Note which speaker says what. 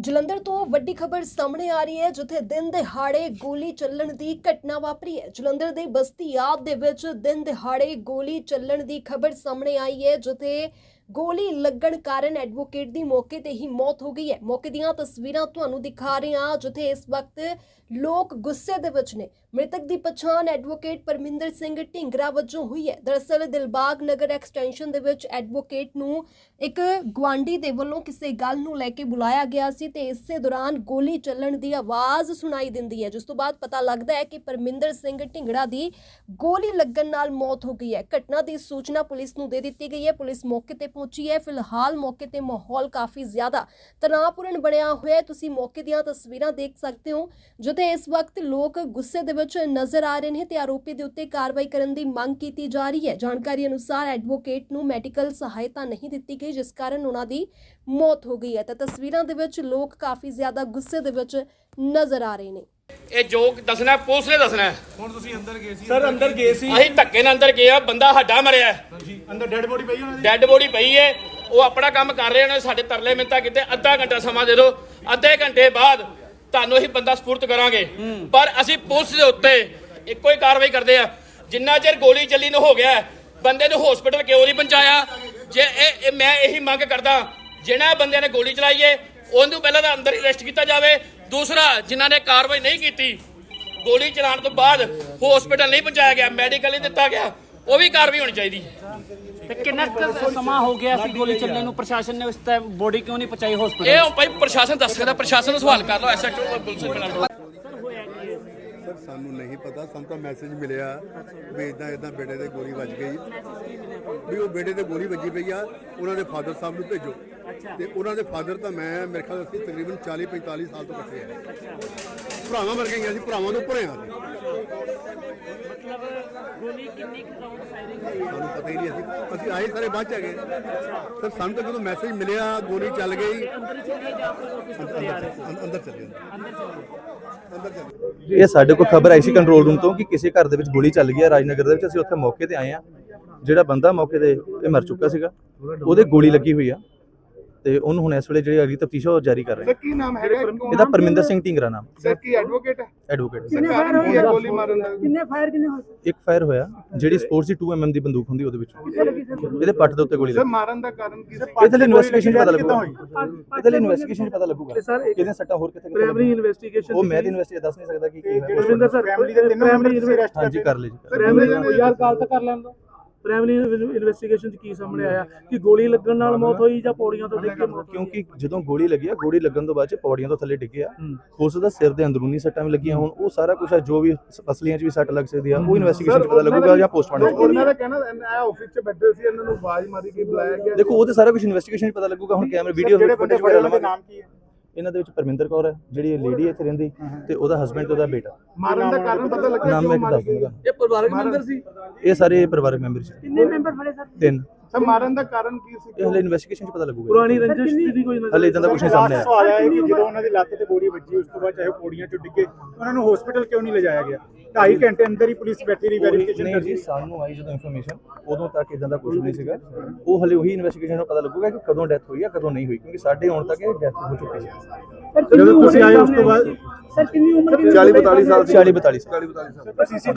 Speaker 1: ਜਲੰਧਰ ਤੋਂ ਵੱਡੀ ਖਬਰ ਸਾਹਮਣੇ ਆ ਰਹੀ ਹੈ ਜਿੱਥੇ ਦਿਨ ਦਿਹਾੜੇ ਗੋਲੀ ਚੱਲਣ ਦੀ ਘਟਨਾ ਵਾਪਰੀ ਹੈ। ਜਲੰਧਰ ਦੇ ਬਸਤੀ ਆਬ ਦੇ ਵਿੱਚ ਦਿਨ ਦਿਹਾੜੇ ਗੋਲੀ ਚੱਲਣ ਦੀ ਖਬਰ ਸਾਹਮਣੇ ਆਈ ਹੈ ਜਿੱਥੇ ਗੋਲੀ ਲੱਗਣ ਕਾਰਨ ਐਡਵੋਕੇਟ ਦੀ ਮੌਕੇ ਤੇ ਹੀ ਮੌਤ ਹੋ ਗਈ ਹੈ। ਮੌਕੇ ਦੀਆਂ ਤਸਵੀਰਾਂ ਤੁਹਾਨੂੰ ਦਿਖਾ ਰਹੇ ਹਾਂ ਜਿੱਥੇ ਇਸ ਵਕਤ ਲੋਕ ਗੁੱਸੇ ਦੇ ਵਿੱਚ ਨੇ। ਮ੍ਰਿਤਕ ਦੀ ਪਛਾਣ ਐਡਵੋਕੇਟ ਪਰਮਿੰਦਰ ਸਿੰਘ ਢਿੰਗਰਾ ਵਜੋਂ ਹੋਈ ਹੈ। ਦਰਅਸਲ ਦਿਲਬਾਗ ਨਗਰ ਐਕਸਟੈਂਸ਼ਨ ਦੇ ਵਿੱਚ ਐਡਵੋਕੇਟ ਨੂੰ ਇੱਕ ਗੁਆਂਢੀ ਦੇ ਵੱਲੋਂ ਕਿਸੇ ਗੱਲ ਨੂੰ ਲੈ ਕੇ ਬੁਲਾਇਆ ਗਿਆ ਸੀ ਤੇ ਇਸੇ ਦੌਰਾਨ ਗੋਲੀ ਚੱਲਣ ਦੀ ਆਵਾਜ਼ ਸੁਣਾਈ ਦਿੰਦੀ ਹੈ, ਜਿਸ ਤੋਂ ਬਾਅਦ ਪਤਾ ਲੱਗਦਾ ਹੈ ਕਿ ਪਰਮਿੰਦਰ ਸਿੰਘ ਢਿੰਗਰਾ ਦੀ ਗੋਲੀ ਲੱਗਣ ਨਾਲ ਮੌਤ ਹੋ ਗਈ ਹੈ। ਘਟਨਾ ਦੀ ਸੂਚਨਾ ਪੁਲਿਸ ਨੂੰ ਦੇ ਦਿੱਤੀ ਗਈ ਹੈ। ਪੁਲਿਸ ਮੌਕੇ ਤੇ ਪਹੁੰਚੀ ਹੈ। ਫਿਲਹਾਲ ਮੌਕੇ ਤੇ ਮਾਹੌਲ ਕਾਫੀ ਜ਼ਿਆਦਾ ਤਣਾਅਪੂਰਨ ਬਣਿਆ ਹੋਇਆ ਹੈ। ਤੁਸੀਂ ਮੌਕੇ ਦੀਆਂ ਤਸਵੀਰਾਂ ਦੇਖ ਸਕਦੇ ਹੋ ਜਿੱਥੇ ਇਸ ਵਕਤ ਲੋਕ ਗੁੱਸੇ ਦੇ ਵਿੱਚ ਨਜ਼ਰ ਆ ਰਹੇ ਨੇ ਤੇ ਆਰੋਪੀ ਦੇ ਉੱਤੇ ਕਾਰਵਾਈ ਕਰਨ ਦੀ ਮੰਗ ਕੀਤੀ ਜਾ ਰਹੀ ਹੈ। ਜਾਣਕਾਰੀ ਅਨੁਸਾਰ ਐਡਵੋਕੇਟ ਨੂੰ ਮੈਡੀਕਲ ਸਹਾਇਤਾ ਨਹੀਂ ਦਿੱਤੀ ਗਈ ਜਿਸ ਕਾਰਨ ਉਹਨਾਂ ਦੀ ਮੌਤ ਹੋ ਗਈ ਹੈ। ਤਾਂ ਤਸਵੀਰਾਂ ਦੇ ਵਿੱਚ ਲੋਕ ਕਾਫੀ ਜ਼ਿਆਦਾ ਗੁੱਸੇ ਦੇ ਵਿੱਚ ਨਜ਼ਰ ਆ ਰਹੇ ਨੇ।
Speaker 2: ਇਹ ਜੋ ਦੱਸਣਾ ਪੁਲਿਸ ਨੇ ਦੱਸਣਾ।
Speaker 3: ਹੁਣ ਤੁਸੀਂ ਅੰਦਰ ਗਏ ਸੀ?
Speaker 2: ਸਰ ਅੰਦਰ ਗਏ ਸੀ, ਅਸੀਂ ਧੱਕੇ ਨਾਲ ਅੰਦਰ ਗਏ ਆ। ਬੰਦਾ ਹੱਡਾ ਮਰਿਆ
Speaker 3: ਜੀ, ਅੰਦਰ ਡੈੱਡ ਬੋਡੀ ਪਈ ਉਹਨਾਂ ਦੀ।
Speaker 2: ਡੈੱਡ ਬੋਡੀ ਪਈ ਹੈ। ਉਹ ਆਪਣਾ ਕੰਮ ਕਰ ਰਹੇ ਨੇ। ਸਾਡੇ ਤਰਲੇ ਮਿੰਤਾ ਕਿਤੇ ਅੱਧਾ ਘੰਟਾ ਸਮਾਂ ਦੇ ਦਿਓ। ਅੱਧੇ ਘੰਟੇ ਬਾਅਦ ਤੁਹਾਨੂੰ ਅਸੀਂ ਬੰਦਾ ਸਪੁਰਦ ਕਰਾਂਗੇ। ਪਰ ਅਸੀਂ ਪੁਲਿਸ ਦੇ ਉੱਤੇ ਇੱਕੋ ਹੀ ਕਾਰਵਾਈ ਕਰਦੇ ਆ। ਜਿੰਨਾ ਚਿਰ ਗੋਲੀ ਚੱਲੀ ਨੂੰ ਹੋ ਗਿਆ ਬੰਦੇ ਨੂੰ ਹਸਪੀਟਲ ਕਿਉਂ ਨਹੀਂ ਪਹੁੰਚਾਇਆ? ਜੇ ਇਹ ਮੈਂ ਇਹੀ ਮੰਗ ਕਰਦਾ ਜਿਹਨਾਂ ਬੰਦਿਆਂ ਨੇ ਗੋਲੀ ਚਲਾਈ ਹੈ ਉਹਨੂੰ ਪਹਿਲਾਂ ਤਾਂ ਅੰਦਰ ਅਰੈਸਟ ਕੀਤਾ ਜਾਵੇ। ਦੂਸਰਾ, ਜਿਨ੍ਹਾਂ ਨੇ ਕਾਰਵਾਈ ਨਹੀਂ ਕੀਤੀ ਗੋਲੀ ਚਲਾਉਣ ਤੋਂ ਬਾਅਦ ਹਸਪੀਟਲ ਨਹੀਂ ਪਹੁੰਚਾਇਆ ਗਿਆ, ਮੈਡੀਕਲ ਨਹੀਂ ਦਿੱਤਾ ਗਿਆ, ਉਹ ਵੀ ਕਾਰਵਾਈ ਹੋਣੀ ਚਾਹੀਦੀ।
Speaker 4: ਤੇ ਕਿੰਨਾ ਸਮਾਂ ਹੋ ਗਿਆ ਸੀ ਗੋਲੀ ਚੱਲਣ ਨੂੰ? ਪ੍ਰਸ਼ਾਸਨ ਨੇ ਉਸ ਟਾਈਮ ਬੋਡੀ ਕਿਉਂ ਨਹੀਂ ਪਹੁੰਚਾਈ ਹਸਪੀਟਲ?
Speaker 2: ਇਹ ਭਾਈ ਪ੍ਰਸ਼ਾਸਨ ਦੱਸ ਸਕਦਾ। ਪ੍ਰਸ਼ਾਸਨ ਨੂੰ ਸਵਾਲ ਕਰ ਲਓ। ਐਸਐਚਓ ਪੁਲਿਸ ਨਾਲ
Speaker 5: ਸਰ ਸਾਨੂੰ ਨਹੀਂ ਪਤਾ। ਸਾਨੂੰ ਤਾਂ ਮੈਸੇਜ ਮਿਲਿਆ ਵੀ ਇਦਾਂ ਬੇਟੇ ਦੇ ਗੋਲੀ ਵੱਜ ਗਈ, ਵੀ ਉਹ ਬੇਟੇ ਤੇ ਗੋਲੀ ਵੱਜੀ ਪਈ ਆ, ਉਹਨਾਂ ਦੇ ਫਾਦਰ ਸਾਹਿਬ ਨੂੰ ਭੇਜੋ। ਤੇ ਉਹਨਾਂ ਦੇ ਫਾਦਰ ਤਾਂ ਮੈਂ ਮੇਰੇ ਖਿਆਲ ਅਸੀਂ ਤਕਰੀਬਨ 40-45 ਸਾਲ ਤੋਂ ਇਕੱਠੇ ਆ। ਭਰਾਵਾਂ ਵਰਗੇ ਹੀ ਅਸੀਂ, ਭਰਾਵਾਂ ਤੋਂ ਭਰੇ ਆ।
Speaker 4: ਗੋਲੀ ਕਿੰਨੀ ਰਾਉਂਡ ਫਾਇਰਿੰਗ ਹੋਈ?
Speaker 5: ਸਾਨੂੰ ਪਤਾ ਹੀ ਨਹੀਂ। ਅਸੀਂ ਆਏ ਸਾਰੇ ਬਾਅਦ ਚ ਹੈਗੇ ਸਰ। ਸਾਨੂੰ ਤਾਂ ਜਦੋਂ ਮੈਸੇਜ ਮਿਲਿਆ ਗੋਲੀ ਚੱਲ ਗਈ ਅੰਦਰ ਚੱਲੇ।
Speaker 6: ਇਹ ਸਾਡੇ ਕੋਲ ਖਬਰ ਆਈ ਸੀ ਕੰਟਰੋਲ ਰੂਮ ਤੋਂ ਕਿ ਕਿਸੇ ਘਰ ਦੇ ਵਿੱਚ ਗੋਲੀ ਚੱਲ ਗਈ ਹੈ ਰਾਜਨਗਰ ਦੇ ਵਿੱਚ। ਅਸੀਂ ਉੱਥੇ ਮੌਕੇ ਤੇ ਆਏ ਆ। ਜਿਹੜਾ ਬੰਦਾ ਮੌਕੇ ਤੇ ਇਹ ਮਰ ਚੁੱਕਾ ਸੀਗਾ, ਉਹਦੇ ਗੋਲੀ ਲੱਗੀ ਹੋਈ ਆ ਤੇ ਉਹਨੂੰ ਹੁਣ ਇਸ ਵੇਲੇ ਜਿਹੜੀ ਅਗਲੀ ਤਫਤੀਸ਼ ਉਹ ਜਾਰੀ ਕਰ ਰਹੇ
Speaker 3: ਸਰ ਕੀ ਨਾਮ ਹੈਗਾ?
Speaker 6: ਇਹਦਾ ਪਰਮਿੰਦਰ ਸਿੰਘ ਢਿੰਗਰਾ ਨਾਮ।
Speaker 3: ਸਰ ਕੀ ਐਡਵੋਕੇਟ ਹੈ?
Speaker 6: ਐਡਵੋਕੇਟ।
Speaker 3: ਗੋਲੀ ਮਾਰਨ ਦਾ
Speaker 4: ਕਿੰਨੇ ਫਾਇਰ ਹੋਏ?
Speaker 6: ਇੱਕ ਫਾਇਰ ਹੋਇਆ ਜਿਹੜੀ ਸਪੋਰਟਸ ਦੀ 2 mm ਦੀ ਬੰਦੂਕ ਹੁੰਦੀ ਉਹਦੇ ਵਿੱਚ। ਇਹਦੇ ਪੱਟ ਦੇ ਉੱਤੇ ਗੋਲੀ
Speaker 3: ਸਰ
Speaker 6: ਲੱਗੀ।
Speaker 3: ਮਾਰਨ ਦਾ ਕਾਰਨ ਕੀ ਸੀ?
Speaker 6: ਇਹਦੇ ਲਈ ਇਨਵੈਸਟੀਗੇਸ਼ਨ ਪਤਾ ਲੱਗੂਗਾ। ਇਹਦੇ ਲਈ ਇਨਵੈਸਟੀਗੇਸ਼ਨ ਪਤਾ ਲੱਗੂਗਾ ਕਿਹਦੇ ਸੱਟਾਂ ਹੋਰ ਕਿੱਥੇ
Speaker 3: ਪ੍ਰਾਇਮਰੀ ਇਨਵੈਸਟੀਗੇਸ਼ਨ
Speaker 6: ਉਹ ਮੈਂ ਦੀ ਇਨਵੈਸਟੀਗੇਸ਼ਨ ਦੱਸ ਨਹੀਂ ਸਕਦਾ ਕਿ ਕੀ ਹੋਇਆ।
Speaker 3: ਰਵਿੰਦਰ ਸਰ ਫੈਮਿਲੀ ਦੇ ਤਿੰਨੋਂ ਮੈਂਬਰ ਅਰੈਸਟ
Speaker 6: ਹਾਂਜੀ ਕਰ ਲਈ ਜੀ।
Speaker 3: ਪ੍ਰਾਇਮਰੀ
Speaker 7: ਯਾਰ ਗੱਲ ਤਾਂ ਕਰ ਲੈਣ ਦੋ। ਪ੍ਰਾਇਮਰੀ ਇਨਵੈਸਟੀਗੇਸ਼ਨ 'ਚ ਕੀ ਸਾਹਮਣੇ ਆਇਆ ਕਿ ਗੋਲੀ ਲੱਗਣ ਨਾਲ ਮੌਤ ਹੋਈ ਜਾਂ ਪੌੜੀਆਂ ਤੋਂ ਡਿੱਗ ਕੇ ਮੌਤ?
Speaker 6: ਕਿਉਂਕਿ ਜਦੋਂ ਗੋਲੀ ਲੱਗੀ ਆ, ਗੋਲੀ ਲੱਗਣ ਤੋਂ ਬਾਅਦ ਚ ਪੌੜੀਆਂ ਤੋਂ ਥੱਲੇ ਡਿੱਗਿਆ। ਉਸ ਦਾ ਸਿਰ ਦੇ ਅੰਦਰੂਨੀ ਸੱਟਾਂ ਵੀ ਲੱਗੀਆਂ। ਹੁਣ ਉਹ ਸਾਰਾ ਕੁਝ ਜੋ ਵੀ ਅਸਲੀਆਂ ਚ ਵੀ ਸੱਟ ਲੱਗ ਸਕਦੀ ਆ ਉਹ ਇਨਵੈਸਟੀਗੇਸ਼ਨ ਚ ਪਤਾ ਲੱਗੂਗਾ ਜਾਂ ਪੋਸਟਮਾਰਟਮ ਚ।
Speaker 3: ਉਹਨਾਂ ਦਾ ਕਹਿਣਾ ਇਹ ਆਫਿਸ 'ਚ ਬੈਠੇ ਸੀ, ਇਹਨਾਂ ਨੂੰ ਆਵਾਜ਼ ਮਾਰੀ ਕੇ ਬੁਲਾਇਆ ਗਿਆ।
Speaker 6: ਦੇਖੋ ਉਹ ਤੇ ਸਾਰਾ ਕੁਝ ਇਨਵੈਸਟੀਗੇਸ਼ਨ ਚ ਪਤਾ ਲੱਗੂਗਾ। ਹੁਣ ਕੈਮਰੇ ਵੀਡੀਓ ਫੁਟੇਜ ਵਗੈਰਾ ਲਵਾਂਗੇ।
Speaker 3: ਨਾਮ ਕੀ ਹੈ
Speaker 6: ਇਹਨਾਂ ਦੇ ਵਿੱਚ ਪਰਮਿੰਦਰ ਕੌਰ ਹੈ ਜਿਹੜੀ ਲੇਡੀ ਇੱਥੇ ਰਹਿੰਦੀ ਤੇ ਉਹਦਾ ਹਸਬੈਂਡ ਤੇ ਉਹਦਾ ਬੇਟਾ।
Speaker 3: ਮਾਰਨ ਦਾ ਕਾਰਨ ਪਤਾ ਲੱਗਿਆ?
Speaker 6: ਨਾਮ ਮੈਂ ਦੱਸ ਦੂੰਗਾ।
Speaker 7: ਇਹ ਪਰਿਵਾਰਕ ਮੈਂਬਰ ਸੀ?
Speaker 6: ਇਹ ਸਾਰੇ ਪਰਿਵਾਰਕ ਮੈਂਬਰ ਸੀ।
Speaker 4: ਕਿੰਨੇ ਮੈਂਬਰ ਫੜੇ ਸਰ?
Speaker 6: 3।
Speaker 3: ਸਰ ਮਾਰਨ ਦਾ ਕਾਰਨ ਕੀ ਸੀ?
Speaker 6: ਇਹ ਹਲੇ ਇਨਵੈਸਟੀਗੇਸ਼ਨ ਚ ਪਤਾ ਲੱਗੂਗਾ।
Speaker 7: ਪੁਰਾਣੀ ਰੰਜਿਸ਼ ਦੀ ਕੋਈ
Speaker 6: ਹਲੇ ਇਦਾਂ ਦਾ ਕੁਝ ਨਹੀਂ ਸਾਹਮਣੇ ਆਇਆ।
Speaker 8: ਸਵਾਲ ਆਇਆ ਕਿ ਜਦੋਂ ਉਹਨਾਂ ਦੀ ਲੱਤ ਤੇ ਗੋਲੀ ਵੱਜੀ ਉਸ ਤੋਂ ਬਾਅਦ ਚਾਹੇ ਪੌੜੀਆਂ ਚੋਂ ਡਿੱਗੇ, ਉਹਨਾਂ ਨੂੰ ਹਸਪੀਟਲ ਕਿਉਂ ਨਹੀਂ ਲਿਜਾਇਆ ਗਿਆ? 2.5 ਘੰਟੇ ਅੰਦਰ ਹੀ ਪੁਲਿਸ ਬੈਠੀ ਰਹੀ ਵੈਰੀਫਿਕੇਸ਼ਨ
Speaker 6: ਨਹੀਂ ਜੀ, ਸਾਨੂੰ ਆਈ ਜਦੋਂ ਇਨਫੋਰਮੇਸ਼ਨ ਉਦੋਂ ਤੱਕ ਇਦਾਂ ਦਾ ਕੁਝ ਨਹੀਂ ਸੀਗਾ। ਉਹ ਹਲੇ ਉਹੀ ਇਨਵੈਸਟੀਗੇਸ਼ਨ ਨੂੰ ਪਤਾ ਲੱਗੂਗਾ ਕਿ ਕਦੋਂ ਡੈਥ ਹੋਈ ਆ ਕਦੋਂ ਨਹੀਂ ਹੋਈ, ਕਿਉਂਕਿ ਸਾਡੇ ਆਉਣ ਤੱਕ ਇਹ ਡੈਥ ਹੋ ਚੁੱਕੀ ਸੀ।
Speaker 8: ਜਦੋਂ ਤੁਸੀਂ ਆਏ ਉਸ ਤੋਂ ਬਾਅਦ
Speaker 4: ਸਰ ਕਿੰਨੀ ਉਮਰ?
Speaker 6: 40-42 ਸਾਲ।